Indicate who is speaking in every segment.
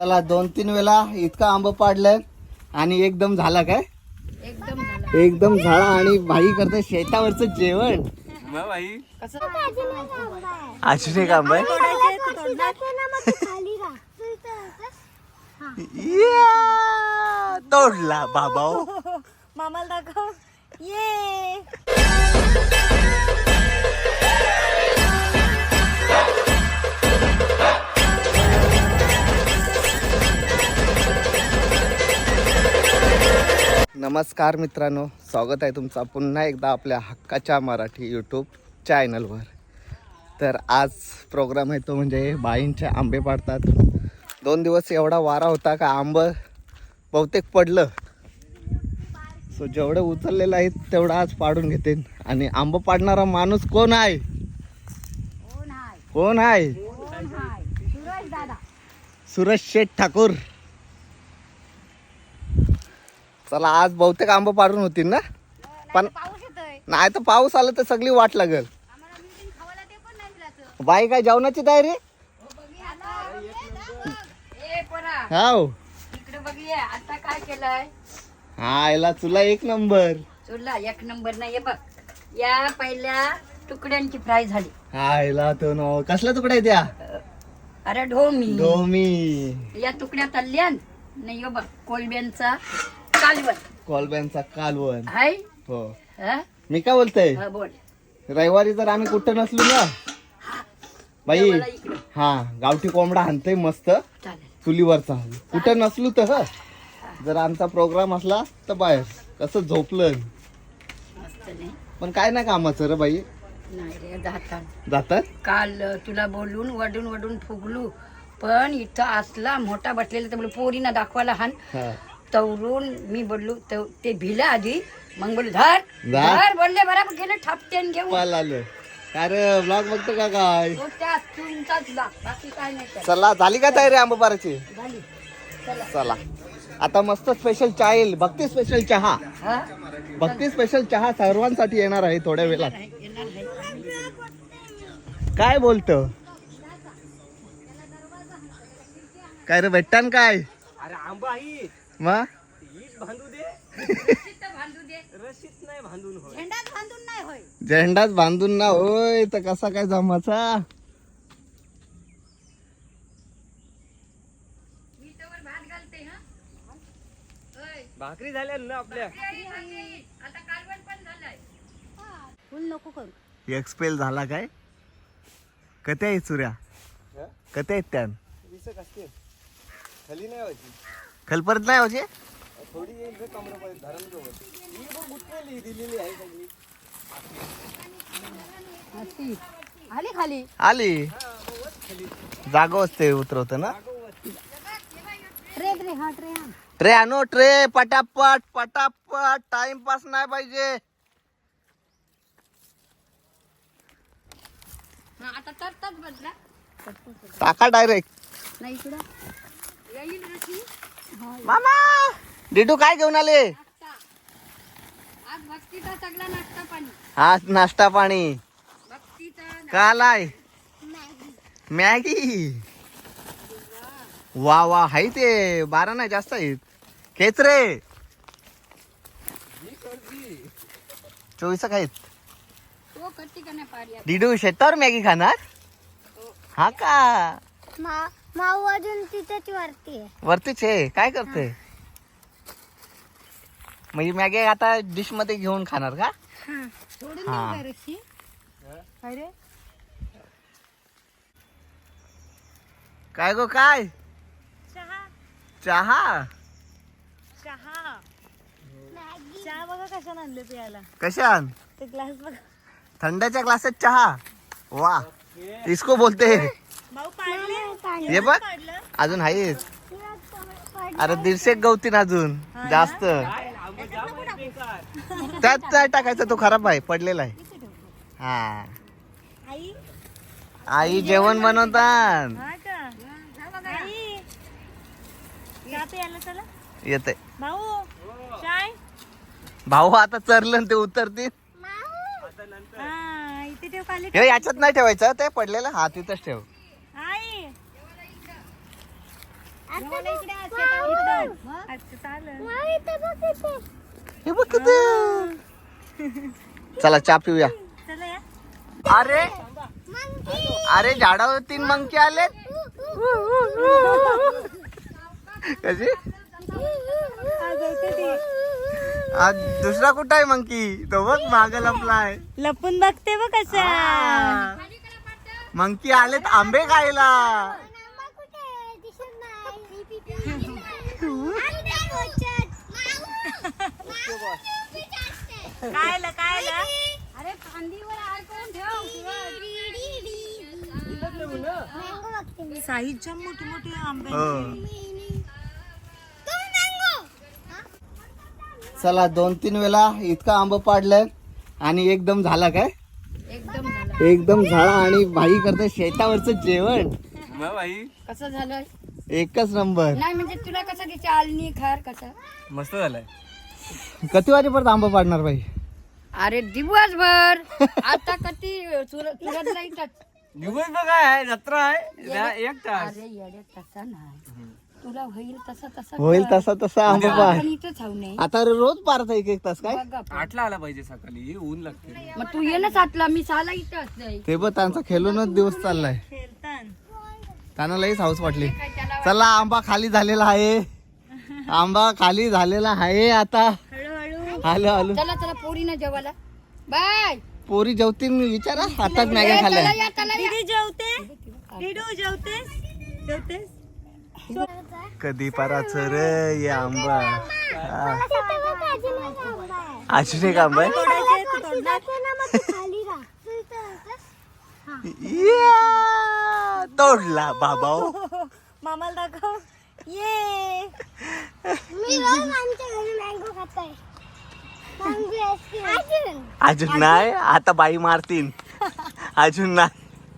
Speaker 1: चला 2-3 वेळा इतका आंब पाडलं आणि एकदम झाला काय एकदम झाला आणि भाई करते शेतावरचं जेवण भाई अजून एक आंबा आहे तोडला बाबा
Speaker 2: मामाला दाखव ये
Speaker 1: नमस्कार मित्रांनो, स्वागत आहे तुमचा पुन्हा एकदा आपल्या हक्काच्या मराठी यूट्यूब चॅनलवर. तर आज प्रोग्राम आहे तो म्हणजे बाईंचे आंबे पाडतात. 2 दिवस एवढा वारा होता का आंब बहुतेक पडलं. सो जेवढं उचललेलं आहे तेवढं आज पाडून घेते. आणि आंब पाडणारा माणूस कोण आहे? कोण आहे? सुरेश शेठ ठाकूर. चला आज बहुतेक आंब पाडून होतील ना, पण नाही तर पाऊस आला तर सगळी वाट लागल. बाई काय जेवणाची तयारी? हाव
Speaker 2: आता काय केलंय?
Speaker 1: हा याला तुला 1 नंबर.
Speaker 2: तुला 1 नंबर नाही बघ. या पहिल्या तुकड्यांची फ्राय झाली.
Speaker 1: हा याला तो न कसला तुकडा आहे त्या?
Speaker 2: अरे ढोमी
Speaker 1: डोमी.
Speaker 2: या तुकड्या तळल्या नाही बघ. कोलब्यांचा कालवण.
Speaker 1: कोलब्यांचा कालवण
Speaker 2: हाय
Speaker 1: हो.
Speaker 2: हा?
Speaker 1: मी काय बोलतोय,
Speaker 2: हा, बोल.
Speaker 1: रविवारी जर आम्ही कुठं नसलो ना बाई,
Speaker 2: मला इकडं.
Speaker 1: हा गावठी कोंबडा आणतोय मस्त
Speaker 2: चालेल.
Speaker 1: चुलीवरचा. कुठं नसलो तर जर आमचा प्रोग्राम असला तर बाहेर कसं झोपलं.
Speaker 2: मस्त नाही
Speaker 1: पण काय नाही कामाचं रे बाई.
Speaker 2: नाही रे जातात.
Speaker 1: जातात
Speaker 2: काल तुला बोलून वडून वडून फुगलू, पण इथं असला मोठा बसलेला तर बोलू पोरीना दाखवायला हान
Speaker 1: हा.
Speaker 2: तवरून मी बोललो ते भिला आधी. मग बोलू धर
Speaker 1: जा.
Speaker 2: धर बोलले बरोबर गेले ठापतेन घेऊन.
Speaker 1: पाल आलं काय रे, ब्लॉग बघतो का काय?
Speaker 2: तो त्या तुमचाच ला, बाकी काय नाही त्याला.
Speaker 1: चला झाली का तयारी आंबा पाराची?
Speaker 2: झाली. चला.
Speaker 1: चला आता मस्त स्पेशल चहा येईल. भक्ती स्पेशल चहा.
Speaker 2: हा?
Speaker 1: भक्ती स्पेशल चहा सर्वांसाठी येणार आहे थोड्या वेळात.
Speaker 2: येणार आहे.
Speaker 1: काय बोलतो? काय रे भेटतान काय?
Speaker 3: अरे आंबा ही
Speaker 1: मग
Speaker 3: हीच बांधू दे,
Speaker 2: तिथं बांधू दे.
Speaker 3: रशीच नाही बांधून होय.
Speaker 2: झेंडाच बांधून नाही होय.
Speaker 1: झेंडाच बांधून ना होय तर कसा काय जमाचा?
Speaker 2: मी तवर भात घालते. हा होय.
Speaker 3: भाकरी झाल्या ना आपल्या.
Speaker 2: आता कालवण पण झालंय. फुल नको करू.
Speaker 1: एक्सपेल झाला काय? कथे आहेत सुऱ्या? कथे आहेत त्यान?
Speaker 3: विसक असते खाली नाही व्हायची,
Speaker 1: खलपरत नाही होते.
Speaker 3: थोडी येईल रे कमरेपर्यंत धरण जवळ. ही बघ उठलेली दिलेली आहे सगळी.
Speaker 2: आली खाली.
Speaker 1: आली जागो असते उतरवत ना.
Speaker 2: ट्रे ट्रे हा ट्रे हा.
Speaker 1: ट्रे आणो ट्रे. पटापट पटापट, टाइमपास नाही पाहिजे.
Speaker 2: हा आता तरच बदला.
Speaker 1: टाका डायरेक्ट.
Speaker 2: नाही इकडं येईल रशी.
Speaker 1: मामा डिडू काय घेऊन आले?
Speaker 2: नाश्ता. आज भक्तीचा सगळा नाश्ता पाणी.
Speaker 1: आज नाश्ता पाणी
Speaker 2: भक्तीचा
Speaker 1: का आलाय? मॅगी. वा वा हाय ते 12 नाही जास्त आहेत. खेच रे 24 आहेत.
Speaker 2: तो करते का नाही पारी.
Speaker 1: डिडू शेतावर मॅगी खाणार? हा का?
Speaker 4: माऊ अजून तिथेच वरती आहे.
Speaker 1: वरतीच आहे. काय करते म्हणजे मॅगी आता डिश मध्ये घेऊन खाणार का?
Speaker 2: सोडून देऊ
Speaker 1: हा.
Speaker 2: का रशी? काय रे?
Speaker 1: काय गो काय?
Speaker 2: चहा
Speaker 1: चहा.
Speaker 2: चहा चहा बघा कशाने आणले प्यायला.
Speaker 1: कशान?
Speaker 2: ते ग्लास बघा.
Speaker 1: थंडाच्या ग्लासात चहा. वा इसको बोलते.
Speaker 2: भाऊ पाडले.
Speaker 1: हे बघ अजून आहेत. अरे 150 गवतीन अजून जास्त.
Speaker 3: आंबा जाम आहे बेकार.
Speaker 1: त्यात टाकायचा, तो खराब आहे पडलेला आहे. हा
Speaker 2: आई
Speaker 1: आई जेवण बनवतात.
Speaker 2: हा का आई चहा प्यायला चला.
Speaker 1: येते
Speaker 2: भाऊ चाय.
Speaker 1: भाऊ आता चरलं ते उतरतील.
Speaker 2: हा इथे ठेव खाली.
Speaker 1: हे याच्यात नाही ठेवायचं, ते पडलेलं हा तिथंच ठेव.
Speaker 2: आई
Speaker 1: हे बघ किती. चला चहा पिऊया. अरे अरे झाडावर 3 मंकी आले. कशी आज दुसरा कुठं आहे मंकी? तो बघ माग लपलाय.
Speaker 5: लपून बघते बघ कसा.
Speaker 1: मंकी आलेत आंबे खायला.
Speaker 5: काय
Speaker 2: अरे फांदीवर अडकवून ठेव.
Speaker 5: साईजच्या मोठी मोठी आंबे.
Speaker 1: चला 2-3 वेळा इतका आंबा पाडलाय आणि एकदम झाला काय?
Speaker 2: एकदम झालं.
Speaker 1: एकदम झाला. आणि भाई करते शेतावरचं जेवण.
Speaker 2: कसं झालं?
Speaker 1: एकच नंबर.
Speaker 2: नाही म्हणजे तुला कसं तिची आलनी खार कसं?
Speaker 3: मस्त झालाय.
Speaker 1: किती वाजेपर्यंत आंबा पाडणार भाई?
Speaker 2: अरे दिवसभर. आता कधी सुरत जायचं.
Speaker 3: दिवस बघा आहे, जत्रा आहे, 1 तास.
Speaker 2: अरे येड्या तसा नाही. तुला होईल तसा
Speaker 1: होईल तसा तसा आंबा पाड.
Speaker 2: आपण इथंच हाव नाही.
Speaker 1: आता रोज पाडता 1-1 तास काय?
Speaker 2: बघा पण.
Speaker 3: 8ला आला पाहिजे सकाळी, ऊन लागते.
Speaker 2: मग तू ये ना 7ला, मी 6ला इथं असते.
Speaker 1: ते बघ त्यांचा खेळूनच दिवस चाललाय. त्यांना लईच हाऊस वाटली. चला आंबा खाली झालेला आहे. आंबा खाली झालेला आहे आता. हळू
Speaker 2: चला चला पोरी ना जेवायला. बाय.
Speaker 1: पोरी जेवतील विचारा. आता मॅगी खाल्ल्या.
Speaker 5: दीदी जेवते. दीदू जेवतेस.
Speaker 1: कधी पराच रे या आंबा. अजून एक आंबा आहे. या, तोडला बाबा.
Speaker 5: मामाला दाखव. ये
Speaker 1: अजून नाही. आता बाई मारतीन. अजून नाही.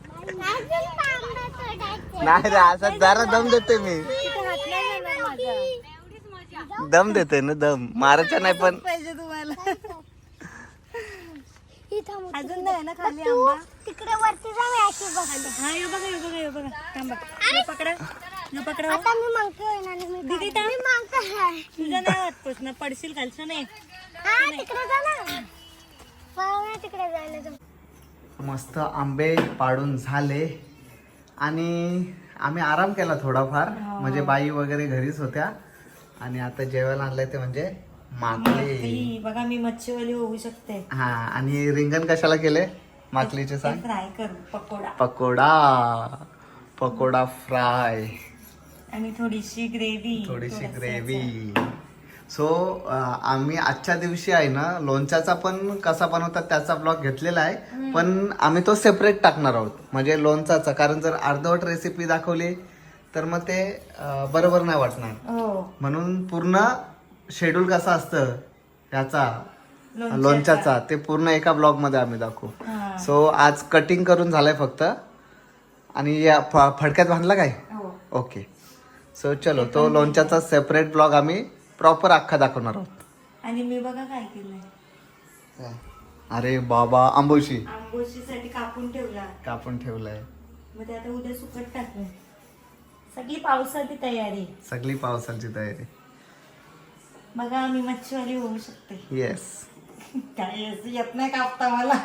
Speaker 1: नाही रे असं जरा दम देते मी. दम देते ना. दम मारायचा नाही पण.
Speaker 5: पाहिजे तुम्हाला. अजून नाही ना खाली आंबा.
Speaker 4: तिकडे वरती जा. मी अशी बघायला.
Speaker 5: हा ये बघा थांबा. ये पकडा.
Speaker 4: आता मी मागतो आणि मी
Speaker 5: दीदी थांब.
Speaker 4: मी मागतो.
Speaker 5: तुझं नाही वाटतोस ना, पडशील खालचं नाही.
Speaker 4: हा तिकडे जा ना. पाहुणे तिकडे जायला जा.
Speaker 1: मस्त आंबे पाडून झाले आणि आम्ही आराम केला थोडाफार. म्हणजे बाई वगैरे घरीच होत्या. आणि आता जेवायला आणलंय ते म्हणजे माकली.
Speaker 5: बघा मी मच्छीवाली होऊ शकते.
Speaker 1: हा. आणि रिंगण कशाला केले माकलीचे सांग?
Speaker 5: फ्राय करू.
Speaker 1: पकोडा फ्राय
Speaker 5: आणि थोडीशी
Speaker 1: ग्रेव्ही. सो आम्ही आजच्या दिवशी आहे ना लोणच्याचा पण कसा बनवतात त्याचा ब्लॉग घेतलेला आहे. पण आम्ही तो सेपरेट टाकणार आहोत. म्हणजे लोणचाचा. कारण जर अर्धवट रेसिपी दाखवली तर मग ते बरोबर नाही वाटणार. म्हणून पूर्ण शेड्यूल कसा असतं ह्याचा लोणच्याचा ते पूर्ण एका ब्लॉग मध्ये आम्ही दाखवू. सो आज कटिंग करून झालंय फक्त. आणि या फडक्यात बांधला काय? ओके. सो चलो तो लोणच्याचा सेपरेट ब्लॉग आम्ही प्रॉपर अख्खा दाखवणार आहोत.
Speaker 5: आणि मी बघा काय केलंय.
Speaker 1: अरे बाबा
Speaker 5: आंबोशीसाठी कापून ठेवलाय. मग ते आता उद्या सुकट टाकलं. सगळी पावसाची तयारी. बघा आम्ही मच्छीवाली होऊ शकते.
Speaker 1: येस.
Speaker 5: काय येत नाही कापता मला.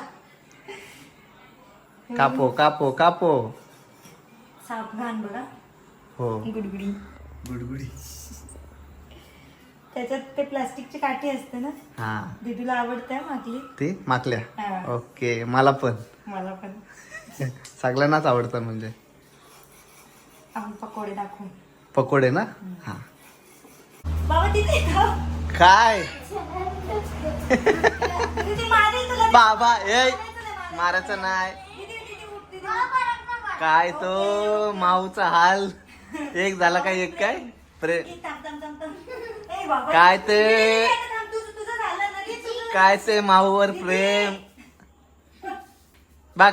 Speaker 1: कापो.
Speaker 5: सावधान बघा.
Speaker 1: हो.
Speaker 2: गुडगुडी.
Speaker 5: त्याच्यात ते प्लास्टिकची काठी असते ना.
Speaker 1: हा.
Speaker 5: दीदीला आवडते माकली.
Speaker 1: ती माकल्या.
Speaker 5: हा.
Speaker 1: ओके. मला पण सगळ्यांनाच आवडतं. म्हणजे
Speaker 5: आपण पकोडे दाखवू.
Speaker 1: पकोडे ना. हा.
Speaker 5: बाबा तिथे
Speaker 1: काय
Speaker 5: दीदी मारेल तुला.
Speaker 1: बाबा ए मारायचं नाही. काय तो माऊचा हाल. एक झाला काय? एक काय काय ते काय ते माऊवर प्रेम बघ.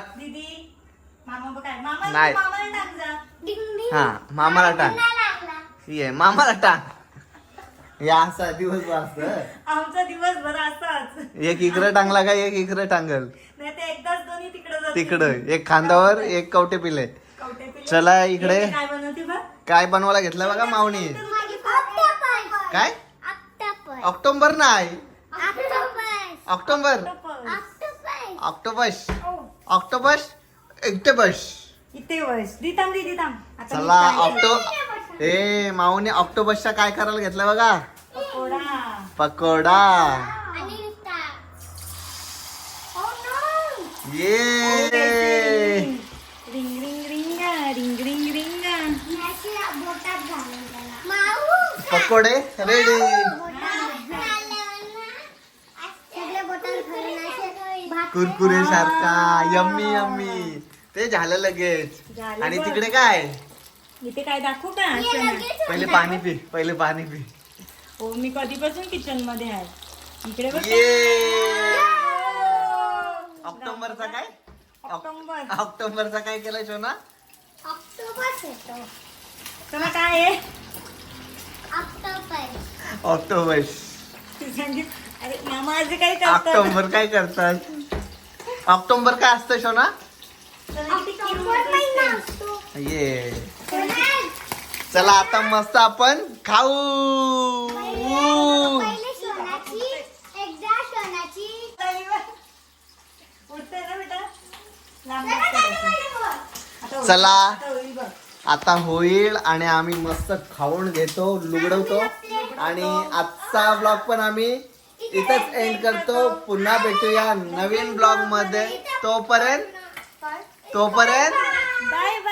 Speaker 1: नाही. हा मामाला टांग. ये मामाला टांग. या असा दिवस
Speaker 5: आमचा दिवसभर असाच.
Speaker 1: एक इकडं टांगला का एक इकडं टांगल.
Speaker 5: नाही ते एकदाच दोन्ही तिकडे
Speaker 1: तिकडं एक खांद्यावर एक कवटे पिले. चला इकडे.
Speaker 5: काय बनवते बघ.
Speaker 1: काय बनवायला घेतलं बघा माऊनी.
Speaker 4: ऑक्टोपस.
Speaker 1: काय
Speaker 4: ऑक्टोपस.
Speaker 1: ऑक्टोबर नाही,
Speaker 4: octopus.
Speaker 1: October,
Speaker 4: octopus.
Speaker 1: Octopus, octopus, octopus.
Speaker 5: इथे बस दिताम दे दिताम आता
Speaker 1: चला
Speaker 5: मी काय
Speaker 1: ऑक्टो ए माऊने ऑक्टोबसचा काय करायला घेतलं बघा.
Speaker 5: पकोडा.
Speaker 1: पकोडा.
Speaker 4: आणि नुसता. Oh no.
Speaker 1: ये
Speaker 5: ring ring ring ring ring ring.
Speaker 4: याची बोटात घालून त्याला. माऊ.
Speaker 1: पकोडे रेडी.
Speaker 4: सगळे बोटात घालून असे भात
Speaker 1: कुरकुरे सारखा यम्मी यम्मी. ते झालं लगेच.
Speaker 5: झालं
Speaker 1: आणि
Speaker 5: बघ.
Speaker 1: तिकडे काय
Speaker 5: इथे काय दाखवू का
Speaker 4: ये
Speaker 5: असं
Speaker 4: लगेच
Speaker 1: पहिले पाणी पी, पहिले पाणी पी.
Speaker 5: हो मी कधीपासून किचन मध्ये आहे. इकडे बघ.
Speaker 1: ये ऑक्टोबरचा काय
Speaker 5: ऑक्टोबर.
Speaker 1: ऑक्टोबरचा काय केलं शोना.
Speaker 4: ऑक्टोपस येतो.
Speaker 5: चला काय आहे
Speaker 4: ऑक्टोपस.
Speaker 1: ऑक्टोबस.
Speaker 5: तू सांगित. अरे मामा आज काही करतात.
Speaker 1: ऑक्टोबर काय करतात. ऑक्टोबर काय असतं शोना.
Speaker 4: ऑक्टोबर महिना असतो.
Speaker 1: ये
Speaker 4: सोनाल.
Speaker 1: चला आता मस्त आपण खाऊ.
Speaker 4: पहिले सोनाची एकदा सोनाची
Speaker 5: उठतंय ना बेटा लांब
Speaker 4: जरा
Speaker 5: बसतं
Speaker 4: खाली
Speaker 5: बसून.
Speaker 4: वर बघ.
Speaker 5: आता होईल.
Speaker 1: चला
Speaker 5: आता होईल बघ.
Speaker 1: आता होईल आणि आम्ही मस्त खाऊन घेतो, लुगडवतो आणि आजचा ब्लॉग पण आम्ही इथंच एंड करतो. पुन्हा भेटूया नवीन ब्लॉग मध्ये. तोपर्यंत
Speaker 5: बाय